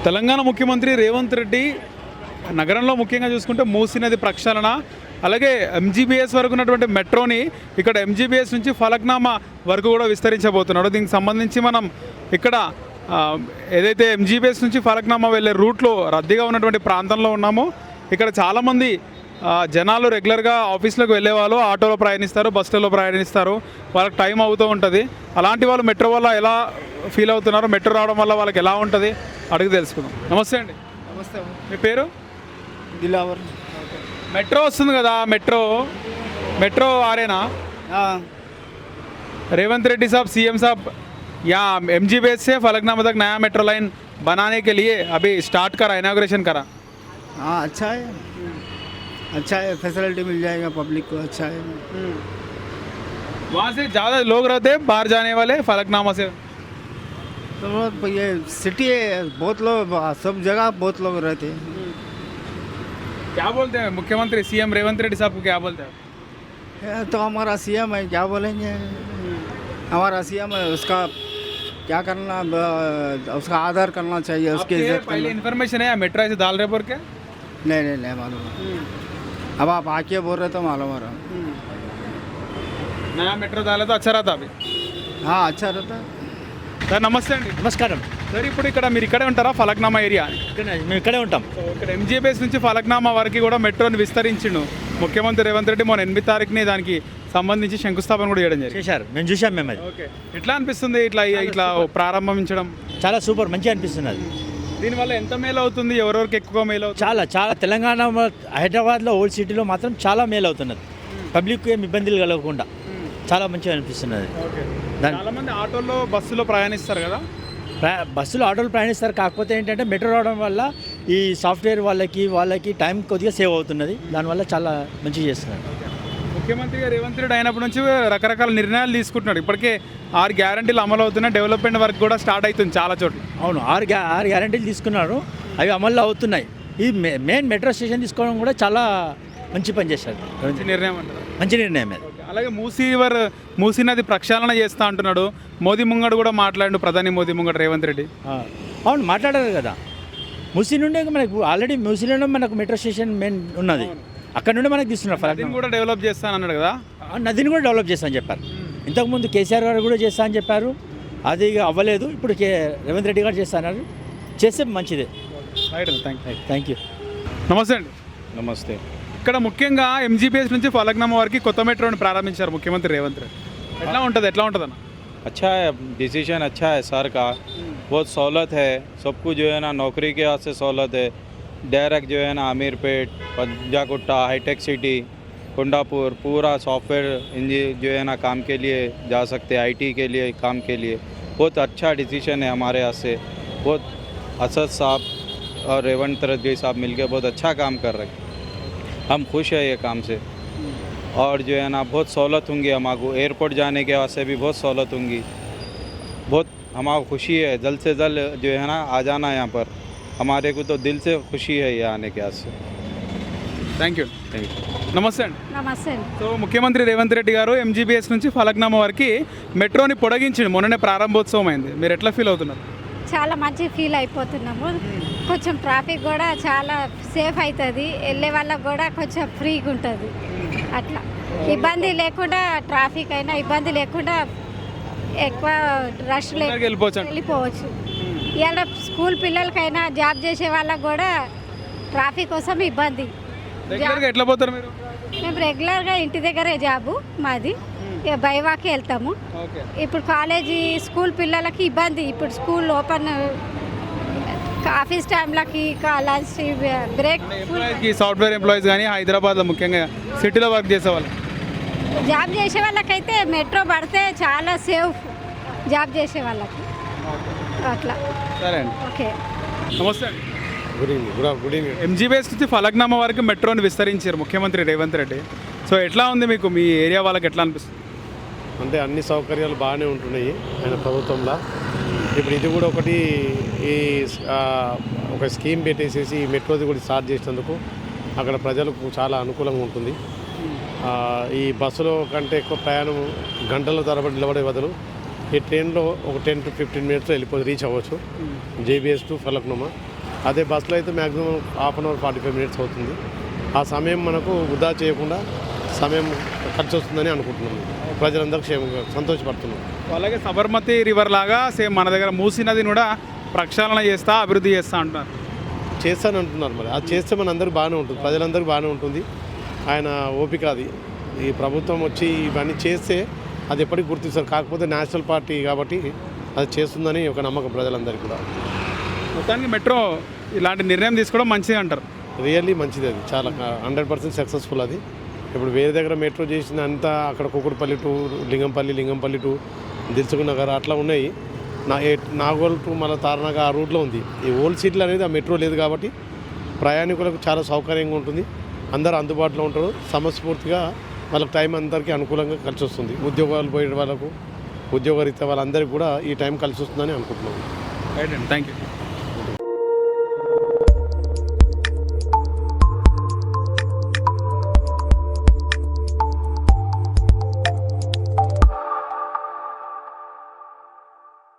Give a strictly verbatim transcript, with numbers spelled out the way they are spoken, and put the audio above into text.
తెలంగాణ ముఖ్యమంత్రి రేవంత్ రెడ్డి నగరంలో ముఖ్యంగా చూసుకుంటే మూసీ నది ప్రక్షాళన, అలాగే ఎంజీబీఎస్ వరకు ఉన్నటువంటి మెట్రోని ఇక్కడ ఎంజీబీఎస్ నుంచి ఫలక్నామా వరకు కూడా విస్తరించబోతున్నాడు. దీనికి సంబంధించి మనం ఇక్కడ ఏదైతే ఎంజీబీఎస్ నుంచి ఫలక్నామా వెళ్ళే రూట్లో రద్దీగా ఉన్నటువంటి ప్రాంతంలో ఉన్నామో, ఇక్కడ చాలామంది జనాలు రెగ్యులర్గా ఆఫీస్లోకి వెళ్ళే వాళ్ళు ఆటోలో ప్రయాణిస్తారు, బస్సులలో ప్రయాణిస్తారు, వాళ్ళకి టైం అవుతూ ఉంటుంది. అలాంటి వాళ్ళు మెట్రో వల్ల ఎలా ఫీల్ అవుతున్నారు, మెట్రో రావడం వల్ల వాళ్ళకి ఎలా ఉంటుంది అడిగి తెలుసుకుందాం. నమస్తే అండి. నమస్తే. మీ పేరు? దిలావర్. మెట్రో వస్తుంది కదా, మెట్రో మెట్రో ఆరేనా? रेवंत रेड्डी साहब सीएम साहब यहाँ एमजीबीएस से फलकनामा तक नया मेट्रो लाइन बनाने के लिए अभी स्टार्ट करा, इनाग्रेशन करा. हाँ अच्छा है, अच्छा है, फैसिलिटी मिल जाएगा पब्लिक को, अच्छा है. वहाँ से ज़्यादा लोग रहते हैं बाहर जाने वाले फलकनामा से? तो ये सिटी है, बहुत लोग, सब जगह बहुत लोग रहते हैं. क्या बोलते हैं मुख्यमंत्री सीएम रेवंत रेड्डी साहब को, क्या बोलते हैं? तो हमारा सीएम है, क्या बोलेंगे. हमारा सीएम है, उसका क्या करना, उसका आदर करना चाहिए, उसकी इज्जत. पहले इन्फॉर्मेशन है मेट्रो से डाल रहे बोल के? नहीं नहीं नहीं मालूम. अब आप आके बोल रहे तो मालूम हो रहा. नया मेट्रो डाला तो अच्छा रहता अभी. हाँ अच्छा रहता. సార్ నమస్తే అండి. నమస్కారం సార్, ఇప్పుడు ఇక్కడ మీరు ఇక్కడే ఉంటారా ఫలక్నామా ఏరియా? ఇక్కడే మేము ఇక్కడే ఉంటాం. ఇక్కడ ఎంజీబీఎస్ నుంచి ఫలక్నామా వరకు కూడా మెట్రోని విస్తరించిండు ముఖ్యమంత్రి రేవంత్ రెడ్డి. మొన్న ఎనిమిది తారీఖుని దానికి సంబంధించి శంకుస్థాపన కూడా చేయడం జరిగింది. చేశారు, మేము చూసాం మేము. అది ఓకే, ఎట్లా అనిపిస్తుంది ఇట్లా ఇట్లా ప్రారంభించడం? చాలా సూపర్, మంచిగా అనిపిస్తుంది. అది దీనివల్ల ఎంత మేలు అవుతుంది, ఎవరెవరికి ఎక్కువ మేలు అవుతుంది? చాలా చాలా తెలంగాణ హైదరాబాద్లో ఓల్డ్ సిటీలో మాత్రం చాలా మేలు అవుతున్నది. పబ్లిక్ ఏం ఇబ్బందులు కలగకుండా చాలా మంచిగా అనిపిస్తున్నది. చాలా మంది ఆటోల్లో బస్సులో ప్రయాణిస్తారు కదా. బస్సులో ఆటోలు ప్రయాణిస్తారు, కాకపోతే ఏంటంటే మెట్రో రావడం వల్ల ఈ సాఫ్ట్వేర్ వాళ్ళకి వాళ్ళకి టైం కొద్దిగా సేవ్ అవుతున్నది. దానివల్ల చాలా మంచిగా చేస్తున్నారు. ముఖ్యమంత్రిగా రేవంత్ రెడ్డి అయినప్పటి నుంచి రకరకాల నిర్ణయాలు తీసుకుంటున్నాడు. ఇప్పటికే ఆరు గ్యారంటీలు అమలు అవుతున్నాయి, డెవలప్మెంట్ వర్క్ కూడా స్టార్ట్ అవుతుంది చాలా చోట్ల. అవును, ఆరు గ్యా ఆరు గ్యారంటీలు తీసుకున్నారు, అవి అమల్లో అవుతున్నాయి. ఈ మెయిన్ మెట్రో స్టేషన్ తీసుకోవడం కూడా చాలా మంచి పని చేశారు. మంచి నిర్ణయం అంటారు. మంచి నిర్ణయం అది. అలాగే మూసీ వర్ మూసీ నది ప్రక్షాళన చేస్తా అంటున్నాడు. మోదీ ముంగడు కూడా మాట్లాడు, ప్రధాని మోదీ ముంగడు రేవంత్ రెడ్డి. అవును మాట్లాడారు కదా. మూసీ నుండే మనకు ఆల్రెడీ మూసీలోనే మనకు మెట్రో స్టేషన్ మెయిన్ ఉన్నది, అక్కడ నుండి మనకు తీస్తున్నారు. నదిని కూడా డెవలప్ చేస్తాను అన్నాడు కదా. నదిని కూడా డెవలప్ చేస్తానని చెప్పారు. ఇంతకుముందు కేసీఆర్ గారు కూడా చేస్తా అని చెప్పారు, అది అవ్వలేదు. ఇప్పుడు కే రేవంత్ రెడ్డి గారు చేస్తున్నారు, చేస్తే మంచిదే. Right, thank you thank you. నమస్తే అండి. నమస్తే. ఇక్కడ ముఖ్యంగా ఎంజీబీఎస్ నుంచి ఫలక్నామా వరకు కొత్త మెట్రోని ప్రారంభించారు ముఖ్యమంత్రి రేవంత్ రెడ్డి. ఎట్లా ఉంటుంది ఎట్లా ఉంటుంది అన్న? अच्छा है, डिसीजन अच्छा है सर का. बहुत सहूलत है सबको, जो है ना नौकरी के वास्ते सहूलत है. डायरेक्ट जो है ना अमीरपेट, पंजाकुट्टा, हाईटेक सिटी, कुंडापुर पूरा सॉफ्टवेयर इंजीनियर जो है ना काम के लिए जा सकते हैं, आईटी के लिए काम के लिए. बहुत अच्छा डिसीजन है हमारे यहाँ से. बहुत असद साहब और रेवंत रेड्डी साहब मिलकर बहुत अच्छा काम कर रहे हैं. हम खुश हैं ये काम से. और जो है ना बहुत सहूलत होंगी हमारे, एयरपोर्ट जाने के वास्ते भी बहुत सहूलत होंगी. बहुत हमारा खुशी है, जल्द से जल्द जो है ना आ जाना यहाँ पर. हमारे को तो दिल से खुशी है ये आने के वास्ते. Thank you. Thank you. నమస్తే అండి. నమస్తే అండి. సో ముఖ్యమంత్రి రేవంత్ రెడ్డి గారు ఎంజీబీఎస్ నుంచి ఫలక్నామా వరకు మెట్రోని పొడిగించిండు, మొన్ననే ప్రారంభోత్సవం అయింది. మీరు ఎట్లా ఫీల్ అవుతున్నారు? చాలా మంచి ఫీల్ అయిపోతున్నాము. కొంచెం ట్రాఫిక్ కూడా చాలా సేఫ్ అవుతుంది, వెళ్ళే వాళ్ళకి కూడా కొంచెం ఫ్రీగా ఉంటుంది. అట్లా ఇబ్బంది లేకుండా, ట్రాఫిక్ అయినా ఇబ్బంది లేకుండా ఎక్కువ రష్ లేకుండా వెళ్ళిపోవచ్చు వెళ్ళిపోవచ్చు. ఇవాళ స్కూల్ పిల్లలకైనా జాబ్ చేసే వాళ్ళకి కూడా ట్రాఫిక్ కోసం ఇబ్బంది. ఎట్లా పోతారు మీరు? మేము రెగ్యులర్గా ఇంటి దగ్గరే జాబు మాది, ఇక బైవాకి వెళ్తాము. ఇప్పుడు కాలేజీ స్కూల్ పిల్లలకి ఇబ్బంది. ఇప్పుడు స్కూల్ ఓపెన్, ఆఫీస్ టైంలకి లంచ్ బ్రేక్. సాఫ్ట్వేర్ ఎంప్లాయీస్ కానీ హైదరాబాద్లో ముఖ్యంగా సిటీలో వర్క్ చేసే వాళ్ళు, జాబ్ చేసే వాళ్ళకైతే మెట్రో పడితే చాలా సేఫ్, జాబ్ చేసే వాళ్ళకి అట్లా. సరే అండి. ఓకే, నమస్తే అండి. Good evening. Good evening. MGBS నుంచి ఫలక్నామా వరకు మెట్రోని విస్తరించారు ముఖ్యమంత్రి రేవంత్ రెడ్డి. సో ఎట్లా ఉంది మీకు, మీ ఏరియా వాళ్ళకి ఎట్లా అనిపిస్తుంది? అంటే అన్ని సౌకర్యాలు బాగానే ఉంటున్నాయి ఆయన ప్రభుత్వంలో. ఇప్పుడు ఇది కూడా ఒకటి, ఈ ఒక స్కీమ్ పెట్టేసేసి ఈ మెట్రోది కూడా స్టార్ట్ చేసినందుకు అక్కడ ప్రజలకు చాలా అనుకూలంగా ఉంటుంది. ఈ బస్సులో కంటే ఎక్కువ ప్రయాణం గంటల తరబడి నిలబడే బదులు ఈ ట్రైన్లో ఒక టెన్ టు ఫిఫ్టీన్ మినిట్స్లో వెళ్ళిపోయి రీచ్ అవ్వచ్చు జేబీఎస్ టు ఫలక్నామా. అదే బస్సులో అయితే maximum half an hour forty five minutes అవుతుంది. ఆ సమయం మనకు వృధా చేయకుండా సమయం ఖర్చు వస్తుందని అనుకుంటున్నాం. ప్రజలందరూ క్షేమంగా సంతోషపడుతున్నాం. అలాగే సబర్మతి రివర్ లాగా సేమ్ మన దగ్గర మూసీ నదిని కూడా ప్రక్షాళన చేస్తా అభివృద్ధి చేస్తా అంటున్నారు. చేస్తాను అంటున్నారు. మరి అది చేస్తే మన అందరికి బాగానే ఉంటుంది, ప్రజలందరికీ బాగానే ఉంటుంది. ఆయన ఓపిక అది. ఈ ప్రభుత్వం వచ్చి ఇవన్నీ చేస్తే అది ఎప్పటికీ గుర్తిస్తారు. కాకపోతే నేషనల్ పార్టీ కాబట్టి అది చేస్తుందని ఒక నమ్మకం ప్రజలందరికీ కూడా. మొత్తానికి మెట్రో ఇలాంటి నిర్ణయం తీసుకోవడం మంచిది అంటారు. రియల్లీ మంచిది, అది చాలా హండ్రెడ్ పర్సెంట్ సక్సెస్ఫుల్. అది ఇప్పుడు వేరే దగ్గర మెట్రో చేసిన అంతా అక్కడ Kukatpally to Lingampally, Lingampally to Dilsukhnagar అట్లా ఉన్నాయి. నా నాగోల్ టు మళ్ళీ తారనగర్ ఆ రూట్లో ఉంది. ఈ ఓల్డ్ సిటీలు అనేది ఆ మెట్రో లేదు కాబట్టి ప్రయాణికులకు చాలా సౌకర్యంగా ఉంటుంది. అందరూ అందుబాటులో ఉంటారు. సమస్ఫూర్తిగా వాళ్ళకి టైం అందరికీ అనుకూలంగా కలిసి వస్తుంది. ఉద్యోగాలు పోయే వాళ్ళకు, ఉద్యోగరీత్యా వాళ్ళందరికీ కూడా ఈ టైం కలిసి వస్తుందని అనుకుంటున్నాం. రైట్ అండి, థ్యాంక్ యూ.